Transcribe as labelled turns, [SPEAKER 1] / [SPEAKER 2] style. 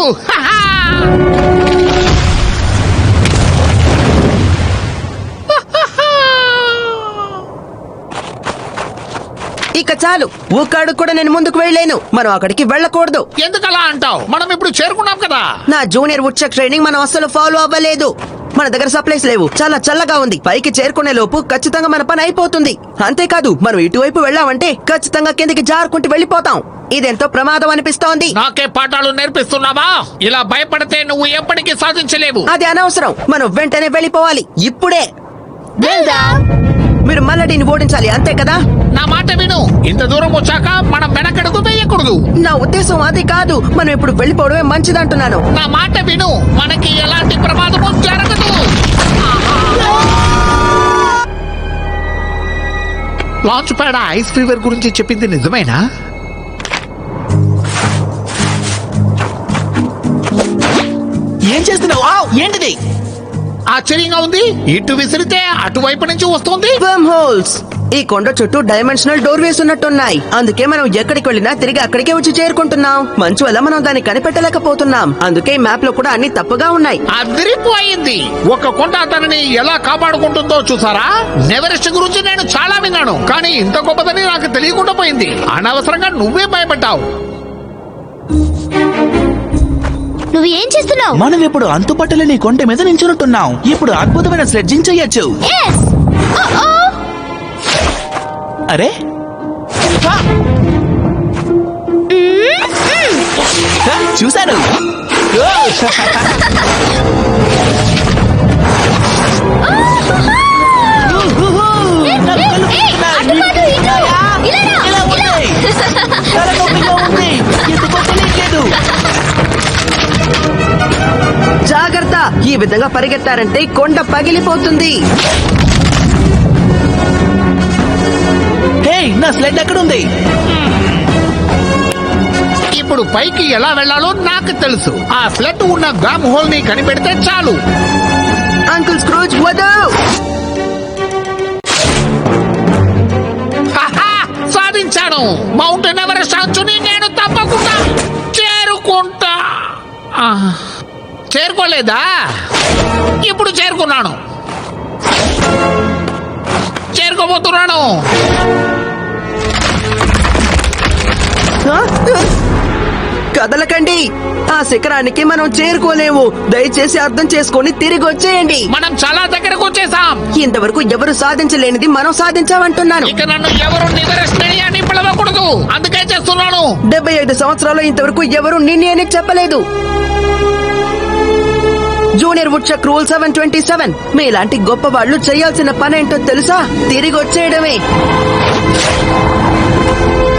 [SPEAKER 1] ఇక చాలు, ఊకాడు కూడా నేను ముందుకు వెళ్ళలేను. మనం అక్కడికి వెళ్ళకూడదు.
[SPEAKER 2] ఎందుకలా అంటావు? మనం ఇప్పుడు చేరుకున్నాం కదా.
[SPEAKER 1] నా జూనియర్ వుడ్చక్ ట్రైనింగ్ మనం అస్సలు ఫాలో అవ్వలేదు. మన దగ్గర సప్లైస్ లేవు. చాలా చల్లగా ఉంది. పైకి చేరుకునే లోపు ఖచ్చితంగా మన పని అయిపోతుంది. అంతేకాదు, మనం ఇటువైపు వెళ్ళామంటే ఖచ్చితంగా కిందికి జారుకుంటూ వెళ్ళిపోతాం. ఇదెంతో ప్రమాదం అనిపిస్తోంది.
[SPEAKER 2] నాకే పాఠాలు నేర్పిస్తున్నావా? ఇలా భయపడితే నువ్వు ఎప్పటికీ సాధించలేవు.
[SPEAKER 1] అది అనవసరం. మనం వెంటనే వెళ్ళిపోవాలి. ఇప్పుడే మీరు మల్లడిని ఓడించాలి, అంతే కదా?
[SPEAKER 2] నా మాట విను. ఇంత దూరం వచ్చాక మనం వెనకడుగు వేయకూడదు.
[SPEAKER 1] నా ఉద్దేశం అది కాదు. మనం ఇప్పుడు వెళ్ళిపోవడమే మంచిదంటున్నాను.
[SPEAKER 2] నా మాట విను. మనకి ఎలాంటి ప్రమాదము జరగదు. లాంచ్ ప్యాడ్ ఐస్ ఫీవర్ గురించి చెప్పింది నిజమేనా?
[SPEAKER 3] ఏం చేస్తున్నావు? ఏంటిది?
[SPEAKER 2] ఆశ్చర్యంగా ఉంది. ఇటు విసిరితే అటువైపు నుంచి వస్తుంది.
[SPEAKER 1] Worm holes. ఈ కొండ చుట్టూ డైమెన్షనల్ డోర్ వేసి ఉన్నట్టున్నాయి. అందుకే మనం ఎక్కడికి వెళ్ళినా తిరిగి అక్కడికే వచ్చి చేరుకుంటున్నాం. మంచు వల్ల మనం దాన్ని కనిపెట్టలేకపోతున్నాం. అందుకే మ్యాప్ లో కూడా అన్ని తప్పుగా ఉన్నాయి.
[SPEAKER 2] అదిరిపోయింది. ఒక కొండ తనని ఎలా కాపాడుకుంటుందో చూసారా? నెవరెస్ట్ గురించి నేను చాలా విన్నాను, కానీ ఇంత గొప్పదని నాకు తెలియకుండా పోయింది. అనవసరంగా నువ్వే భయపడ్డావు.
[SPEAKER 4] నువ్వు ఏం చేస్తున్నావు?
[SPEAKER 3] మనం ఇప్పుడు అంతుపట్టలేని కొండ మీద నించుంటున్నాం. ఇప్పుడు అద్భుతమైన స్లెడ్జింగ్ చేయొచ్చు. అరే చూశాను.
[SPEAKER 1] జాగ్రత్త. ఈ విధంగా పరిగెత్తారంటే కొండ పగిలిపోతుంది.
[SPEAKER 3] హే, నా స్లెడ్ ఎక్కడుంది?
[SPEAKER 2] ఇప్పుడు పైకి ఎలా వెళ్లాలో నాకు తెలుసు. ఆ ఫ్లడ్ ఉన్న గ్రామ్ హోల్ ని కనిపెడితే చాలు.
[SPEAKER 1] అంకుల్ స్క్రూజ్ వద్దు.
[SPEAKER 2] సాధించాను. మౌంటైన్ ఎవరెస్ట్ అంచుని నేను తప్పకుండా చేరుకుంటా. చేరుకోలేదా? ఇప్పుడు చేరుకున్నాను. చేరుకోబోతున్నాను.
[SPEAKER 1] కదలకండి. ఆ శిఖరానికి మనం చేరుకోలేము. దయచేసి అర్థం చేసుకొని తిరిగి వచ్చేయండి.
[SPEAKER 2] మనం చాలా దగ్గరకు వచ్చేసాం.
[SPEAKER 1] ఇంతవరకు ఎవరు సాధించలేనిది మనం సాధించామంటున్నాను.
[SPEAKER 2] ఇక నన్ను ఎవరు నివరెస్ట్ అని పిలవకూడదు. అందుకే చేస్తున్నాను.
[SPEAKER 1] 75 సంవత్సరాలు ఇంతవరకు ఎవరు నిన్నే అని చెప్పలేదు. Junior woodchuck rule 727. మీలాంటి గొప్ప వాళ్ళు చేయాల్సిన పనేంటో తెలుసా? తిరిగి వచ్చేయడమే.